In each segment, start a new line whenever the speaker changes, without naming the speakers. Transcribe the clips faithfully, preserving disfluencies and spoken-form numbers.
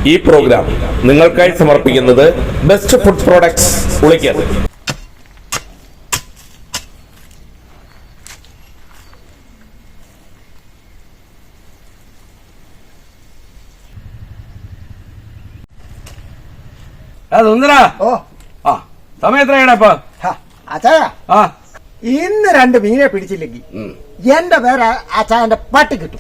ഈ പ്രോഗ്രാം നിങ്ങൾക്കായി സമർപ്പിക്കുന്നത് ബെസ്റ്റ് ഫുഡ് പ്രോഡക്ട്സ് ഉളിക്കൽ.
സുന്ദരാ,
ഓ
ആ സമയം എത്രയാണ് ഇപ്പൊ?
അച്ചായ,
ആ
ഇന്ന് രണ്ട് മീനെ പിടിച്ചില്ലെങ്കിൽ എന്റെ പേര് അച്ചായന്റെ പട്ടി കിട്ടും.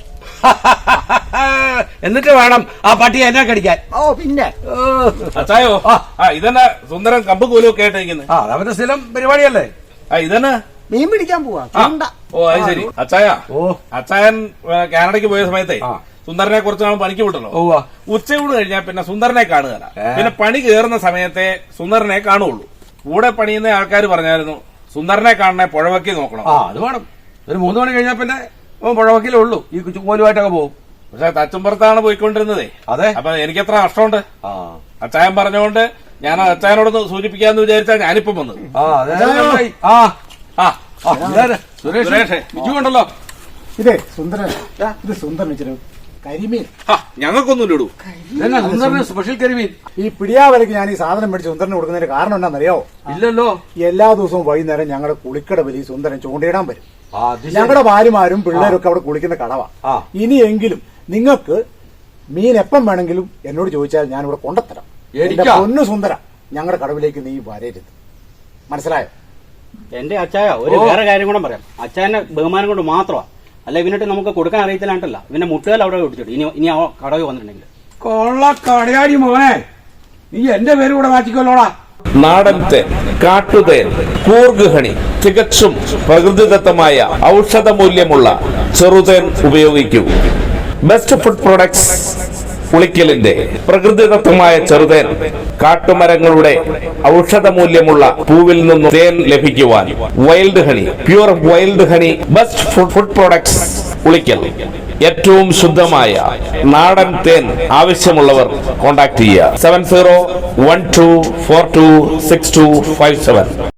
എന്നിട്ട് വേണം ആ പട്ടി എന്നെ കടിക്കാൻ.
ഓ പിന്നെ
അച്ചായോ, ആ ഇതന്നെ സുന്ദരൻ കമ്പ് കൂലും ഒക്കെ ആയിട്ടിരിക്കുന്നത്.
ആ അവന്റെ സ്ഥലം പരിപാടിയല്ലേ.
ആ ഇതന്നെ
മീൻ പിടിക്കാൻ പോവാ.
ഓ അത് ശരി. അച്ചായ,
ഓ
അച്ചായൻ കാനഡയ്ക്ക് പോയ സമയത്തെ
ആ.
സുന്ദരനെ കുറച്ച് നാൾ പണിക്ക് വിട്ടല്ലോ.
ഓ
ഉച്ചയൂട് കഴിഞ്ഞാൽ പിന്നെ സുന്ദരനെ കാണുകയല്ല. പിന്നെ പണി കയറുന്ന സമയത്തെ സുന്ദരനെ കാണുള്ളൂ. കൂടെ പണിയുന്ന ആൾക്കാർ പറഞ്ഞായിരുന്നു സുന്ദരനെ കാണണേ പുഴവക്കി നോക്കണം.
ആ അത് വേണം. ഒരു മൂന്ന് മണി കഴിഞ്ഞാൽ പിന്നെ പുഴവക്കിലേ ഉള്ളൂ. ഈ കോലുമായിട്ടൊക്കെ പോകും.
പക്ഷെ തച്ചുംപുറത്താണ് പോയിക്കൊണ്ടിരുന്നതേ.
അതെ.
അപ്പൊ എനിക്കെത്ര നഷ്ടമുണ്ട്.
ആ
അച്ചായൻ പറഞ്ഞുകൊണ്ട് ഞാൻ അച്ചായനോടൊന്ന് സൂചിപ്പിക്കാന്ന് വിചാരിച്ചാ ഞാനിപ്പം വന്നത്.
ആ അതെ. ആ ആ സുരേഷ് ബിജു ഉണ്ടല്ലോ.
ഇതേ സുന്ദരൻ, ഇത് സുന്ദരൻ വെച്ചിട്ട് കരിമീൻ.
ഞങ്ങൾക്കൊന്നും ഇടൂ.
സ്പെഷ്യൽ കരിമീൻ.
ഈ പിടിയാവലക്ക് ഞാൻ ഈ സാധനം മേടിച്ച് സുന്ദരന് കൊടുക്കുന്നതിന് കാരണം എന്താണെന്നറിയോ?
ഇല്ലല്ലോ.
എല്ലാ ദിവസവും വൈകുന്നേരം ഞങ്ങളുടെ കുളിക്കട വലിയ സുന്ദരൻ ചൂണ്ടയിടാൻ വരും. ഞങ്ങളുടെ ഭാര്യമാരും പിള്ളേരും ഒക്കെ അവിടെ കുളിക്കുന്ന കടവാ. ഇനിയെങ്കിലും നിങ്ങൾക്ക് മീൻ എപ്പം വേണമെങ്കിലും എന്നോട് ചോദിച്ചാൽ ഞാൻ ഇവിടെ കൊണ്ടുത്തരാം. പൊന്നു സുന്ദര, ഞങ്ങളുടെ കടവിലേക്ക് നീ വരരുത്, മനസ്സിലായോ?
എന്റെ അച്ചായ ഒരു വേറെ കാര്യം കൂടെ പറയാം. അച്ചായന്റെ ബഹുമാനം കൊണ്ട് മാത്രമാണ്, അല്ല ഇവനിട്ട് നമുക്ക് കൊടുക്കാൻ അറിയത്തില്ലാണ്ടല്ല. ഇവന്റെ മുട്ടുകാൽ അവിടെ ഒടിച്ചിട്ട് ഇനി ഇനി ആ കടവിൽ വന്നിട്ടുണ്ടെങ്കിൽ
കൊള്ള കടയാടി മോനെ, നീ എന്റെ പേര് കൂടെ മാറ്റിക്കൊല്ലോടാ.
നാടൻ തേൻ, കാട്ടുതേൻ, കൂർഗ് ഹണി, തികച്ചും പ്രകൃതിദത്തമായ ഔഷധ മൂല്യമുള്ള ചെറുതേൻ ഉപയോഗിക്കൂ. ബെസ്റ്റ് ഫുഡ് പ്രോഡക്ട്സ് ഉളിക്കലിന്റെ പ്രകൃതിദത്തമായ ചെറുതേൻ, കാട്ടുമരങ്ങളുടെ ഔഷധ മൂല്യമുള്ള പൂവിൽ നിന്നും തേൻ ലഭിക്കുവാൻ wild honey, pure wild honey. Best food products Ulikkal. ഏറ്റവും ശുദ്ധമായ നാടൻ തേൻ ആവശ്യമുള്ളവർ കോൺടാക്ട് ചെയ്യുക. Seven zero one two four two six two five seven.